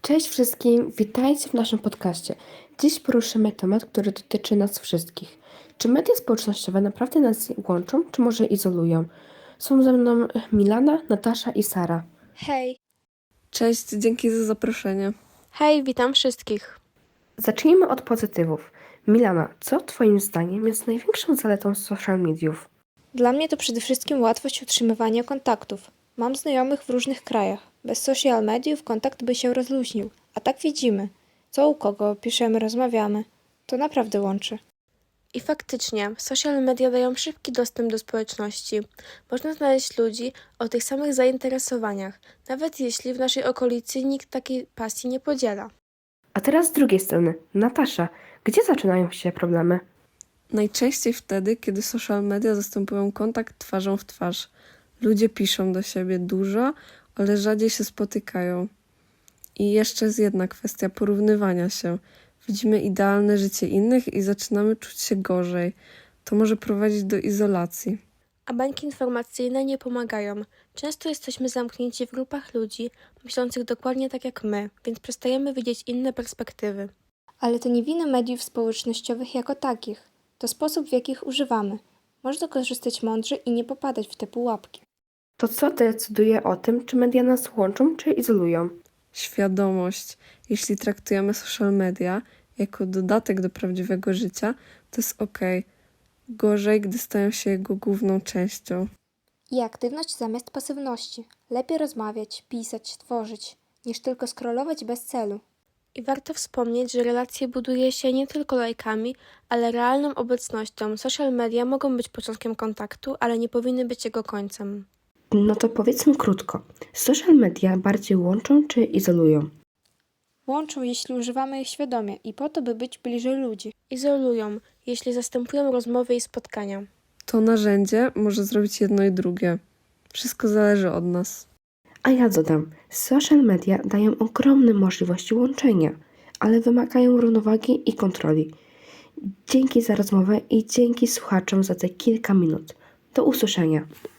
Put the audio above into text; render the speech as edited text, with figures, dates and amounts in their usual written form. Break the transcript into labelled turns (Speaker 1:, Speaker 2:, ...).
Speaker 1: Cześć wszystkim, witajcie w naszym podcaście. Dziś poruszymy temat, który dotyczy nas wszystkich. Czy media społecznościowe naprawdę nas łączą, czy może izolują? Są ze mną Milana, Natasza i Sara.
Speaker 2: Hej,
Speaker 3: Cześć, dzięki za zaproszenie.
Speaker 2: hej, witam wszystkich.
Speaker 1: Zacznijmy od pozytywów. Milana, co twoim zdaniem jest największą zaletą social mediów?
Speaker 2: Dla mnie to przede wszystkim łatwość utrzymywania kontaktów. Mam znajomych w różnych krajach. Bez social mediów kontakt by się rozluźnił, a tak widzimy, co u kogo piszemy, rozmawiamy. To naprawdę łączy. I faktycznie, social media dają szybki dostęp do społeczności. Można znaleźć ludzi o tych samych zainteresowaniach, nawet jeśli w naszej okolicy nikt takiej pasji nie podziela.
Speaker 1: A teraz z drugiej strony, Natasza, gdzie zaczynają się problemy?
Speaker 3: Najczęściej wtedy, kiedy social media zastępują kontakt twarzą w twarz. Ludzie piszą do siebie dużo, ale rzadziej się spotykają. I jeszcze jest jedna kwestia porównywania się. Widzimy idealne życie innych i zaczynamy czuć się gorzej. To może prowadzić do izolacji.
Speaker 2: A bańki informacyjne nie pomagają. Często jesteśmy zamknięci w grupach ludzi, myślących dokładnie tak jak my, więc przestajemy widzieć inne perspektywy. Ale to nie wina mediów społecznościowych jako takich. To sposób, w jaki ich używamy. Można korzystać mądrze i nie popadać w te pułapki.
Speaker 1: To co decyduje o tym, czy media nas łączą, czy izolują?
Speaker 3: Świadomość. Jeśli traktujemy social media jako dodatek do prawdziwego życia, to jest okej. Gorzej, gdy stają się jego główną częścią.
Speaker 2: I aktywność zamiast pasywności. Lepiej rozmawiać, pisać, tworzyć, niż tylko scrollować bez celu. I warto wspomnieć, że relacje buduje się nie tylko lajkami, ale realną obecnością. Social media mogą być początkiem kontaktu, ale nie powinny być jego końcem.
Speaker 1: No to powiedzmy krótko. Social media bardziej łączą, czy izolują?
Speaker 2: Łączą, jeśli używamy ich świadomie i po to, by być bliżej ludzi. Izolują, jeśli zastępują rozmowy i spotkania.
Speaker 3: To narzędzie może zrobić jedno i drugie. Wszystko zależy od nas.
Speaker 1: A ja dodam, social media dają ogromne możliwości łączenia, ale wymagają równowagi i kontroli. Dzięki za rozmowę i dzięki słuchaczom za te kilka minut. Do usłyszenia.